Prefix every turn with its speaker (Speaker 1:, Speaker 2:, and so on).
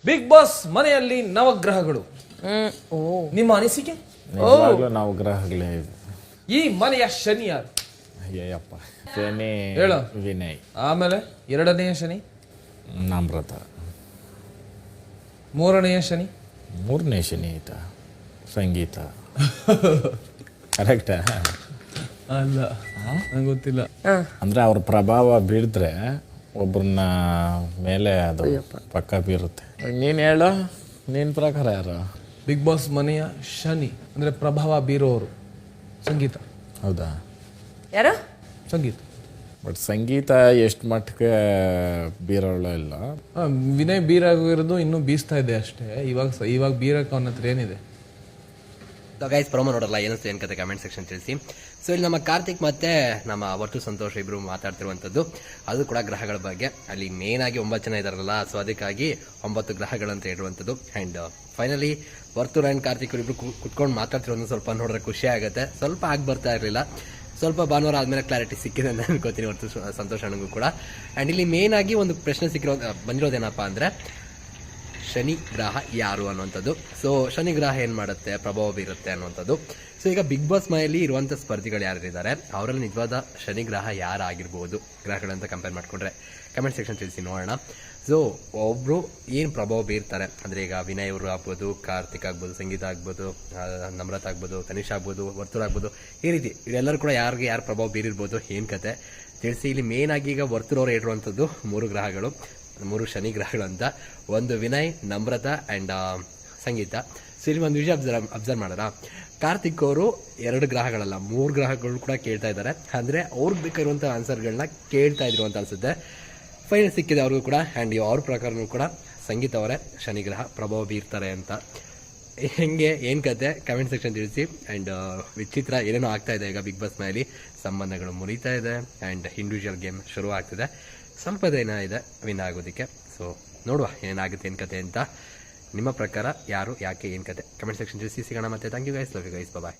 Speaker 1: Big boss ಮನೆಯಲ್ಲಿ ನವಗ್ರಹಗಳು. ನಿಮ್ಮ ಅನಿಸಿಕೆ?
Speaker 2: ನಿಜವಾಗ್ಲೂ ನಾವು ಗ್ರಹಗಳೇ.
Speaker 1: ಈ ಮನೆಯ ಶನಿ ಯಾರು?
Speaker 2: ಅಯ್ಯಪ್ಪ, ಶನಿ
Speaker 1: ಹೇಳು.
Speaker 2: ವಿನಯ್.
Speaker 1: ಆಮೇಲೆ ಎರಡನೆಯ ಶನಿ
Speaker 2: ನಮ್ರತ.
Speaker 1: ಮೂರನೆಯ ಶನಿ
Speaker 2: ಮೂರನೇ ಶನಿ ಆಯ್ತಾ ಸಂಗೀತ. ಕರೆಕ್ಟಾ?
Speaker 1: ಅಲ್ಲ, ನಂಗೆ ಗೊತ್ತಿಲ್ಲ.
Speaker 2: ಅಂದ್ರೆ ಅವ್ರ ಪ್ರಭಾವ ಬೀಳಿದ್ರೆ ಒಬ್ಬರನ್ನ ಮೇಲೆ ಅದು ಪಕ್ಕ ಬೀರುತ್ತೆ. ನೀನು ಹೇಳು, ನಿನ್ನ ಪ್ರಕಾರ ಯಾರು?
Speaker 1: ಬಿಗ್ ಬಾಸ್ ಮನೆಯ ಶನಿ ಅಂದ್ರೆ ಪ್ರಭಾವ ಬೀರೋರು ಸಂಗೀತ.
Speaker 2: ಹೌದಾ?
Speaker 3: ಯಾರು?
Speaker 1: ಸಂಗೀತ.
Speaker 2: ಬಟ್ ಸಂಗೀತ ಎಷ್ಟು ಮಟ್ಟಿಗೆ ಬೀರೋಳ ಇಲ್ಲ.
Speaker 1: ವಿನಯ್ ಬೀರಾಗಿರೋದು ಇನ್ನೂ ಬೀಸ್ತಾ ಇದೆ ಅಷ್ಟೇ. ಇವಾಗ ಬೀರಕ್ಕೆ ಅವನ ಹತ್ರ ಏನಿದೆ?
Speaker 4: ಗೈಸ್, ಪ್ರೊಮೋ ನೋಡಲ್ಲ, ಏನಿಸ್ತು ಏನು ಕತೆ ಕಮೆಂಟ್ ಸೆಕ್ಷನ್ ತಿಳಿಸಿ. ಸೊ ಇಲ್ಲಿ ನಮ್ಮ ಕಾರ್ತಿಕ್ ಮತ್ತೆ ನಮ್ಮ ವರ್ತು ಸಂತೋಷ್ ಇಬ್ರು ಮಾತಾಡ್ತಿರುವಂಥದ್ದು ಅದು ಕೂಡ ಗ್ರಹಗಳ ಬಗ್ಗೆ. ಅಲ್ಲಿ ಮೇನ್ ಆಗಿ 9 ಜನ ಇದಾರಲ್ಲ, ಸೊ ಅದಕ್ಕಾಗಿ 9 ಗ್ರಹಗಳಂತ ಹೇಳುವಂಥದ್ದು. And finally Varthu and Karthik ಇಬ್ರು ಕುತ್ಕೊಂಡು ಮಾತಾಡ್ತಿರೋದು ಸ್ವಲ್ಪ ನೋಡಿದ್ರೆ ಖುಷಿ ಆಗುತ್ತೆ. ಸ್ವಲ್ಪ ಆಗಿ ಬರ್ತಾ ಇರಲಿಲ್ಲ, ಸ್ವಲ್ಪ ಭಾನುವಾರ ಆದಮೇಲೆ ಕ್ಲಾರಿಟಿ ಸಿಕ್ಕಿದೆ ಅಂತ ಅನ್ಕೋತೀನಿ ವರ್ತು ಸಂತೋಷ್ ಅಣ್ಣಗೂ ಕೂಡ. ಆ್ಯಂಡ್ ಇಲ್ಲಿ ಮೇನ್ ಆಗಿ ಒಂದು ಪ್ರಶ್ನೆ ಬಂದಿರೋದೇನಪ್ಪ ಅಂದರೆ ಶನಿ ಗ್ರಹ ಯಾರು ಅನ್ನುವಂಥದ್ದು. ಸೊ ಶನಿ ಗ್ರಹ ಏನು ಮಾಡುತ್ತೆ, ಪ್ರಭಾವ ಬೀರುತ್ತೆ ಅನ್ನುವಂಥದ್ದು. ಸೊ ಈಗ ಬಿಗ್ ಬಾಸ್ ಮನೆಯಲ್ಲಿ ಇರುವಂಥ ಸ್ಪರ್ಧಿಗಳು ಯಾರಿದ್ದಾರೆ ಅವರಲ್ಲಿ ನಿಜವಾದ ಶನಿ ಗ್ರಹ ಯಾರಾಗಿರ್ಬೋದು ಗ್ರಹಗಳಂತ ಕಂಪೇರ್ ಮಾಡಿಕೊಂಡ್ರೆ ಕಮೆಂಟ್ ಸೆಕ್ಷನ್ ತಿಳಿಸಿ ನೋಡೋಣ. ಸೊ ಒಬ್ಬರು ಏನು ಪ್ರಭಾವ ಬೀರ್ತಾರೆ ಅಂದರೆ ಈಗ ವಿನಯ್ ಅವರು ಆಗ್ಬೋದು, ಕಾರ್ತಿಕ್ ಆಗ್ಬೋದು, ಸಂಗೀತ ಆಗ್ಬೋದು, ನಮ್ರತ ಆಗ್ಬೋದು, ತನಿಷ್ ಆಗ್ಬೋದು, ವರ್ತೂರ್ ಆಗ್ಬೋದು, ಈ ರೀತಿ ಇವರೆಲ್ಲರೂ ಕೂಡ ಯಾರು ಪ್ರಭಾವ ಬೀರಿರ್ಬೋದು, ಏನು ಕತೆ ತಿಳಿಸಿ. ಇಲ್ಲಿ ಮೇನ್ ಆಗಿ ಈಗ ವರ್ತೂರ್ ಅವರು ಹೇಳಿರುವಂಥದ್ದು 3 ಗ್ರಹಗಳು, 3 ಶನಿ ಗ್ರಹಗಳು ಅಂತ. ಒಂದು ವಿನಯ್, ನಮ್ರತ ಆ್ಯಂಡ್ ಸಂಗೀತ. ಸೊ ಇಲ್ಲಿ ಒಂದು ವಿಷಯ ಅಬ್ಸರ್ವ್ ಮಾಡೋಣ, ಕಾರ್ತಿಕ್ ಅವರು 2 ಗ್ರಹಗಳಲ್ಲ 3 ಗ್ರಹಗಳು ಕೂಡ ಕೇಳ್ತಾ ಇದ್ದಾರೆ. ಅಂದರೆ ಅವ್ರಿಗೆ ಬೇಕಾಗಿರುವಂಥ ಆನ್ಸರ್ಗಳನ್ನ ಕೇಳ್ತಾ ಇದ್ರು ಅಂತ ಅನಿಸುತ್ತೆ. ಫೈನಲ್ ಸಿಕ್ಕಿದೆ ಅವ್ರಿಗೂ ಕೂಡ. ಆ್ಯಂಡ್ ಅವ್ರ ಪ್ರಕಾರನೂ ಕೂಡ ಸಂಗೀತ ಅವರೇ ಶನಿ ಗ್ರಹ ಪ್ರಭಾವ ಬೀರ್ತಾರೆ ಅಂತ. ಹೆಂಗೆ ಏನು ಕತೆ ಕಮೆಂಟ್ ಸೆಕ್ಷನ್ ತಿಳಿಸಿ. ಆ್ಯಂಡ್ ವಿಚಿತ್ರ ಏನೇನೋ ಆಗ್ತಾ ಇದೆ ಈಗ ಬಿಗ್ ಬಾಸ್ ಮನೆಯಲ್ಲಿ. ಸಂಬಂಧಗಳು ಮುರಿತಾ ಇದೆ ಆ್ಯಂಡ್ ಇಂಡಿವಿಜುವಲ್ ಗೇಮ್ ಶುರು ಆಗ್ತಿದೆ. ಸ್ವಲ್ಪ ದಿನ ಇದೆ ವಿನ್ ಆಗೋದಕ್ಕೆ. ಸೊ ನೋಡುವ ಏನಾಗುತ್ತೆ ಏನು ಕತೆ ಅಂತ. ನಿಮ್ಮ ಪ್ರಕಾರ ಯಾರು, ಯಾಕೆ, ಏನು ಕತೆ ಕಮೆಂಟ್ ಸೆಕ್ಷನ್ ತಿಳಿಸಿ. ಸಿಗೋಣ ಮತ್ತೆ. Thank you guys, love you guys, bye.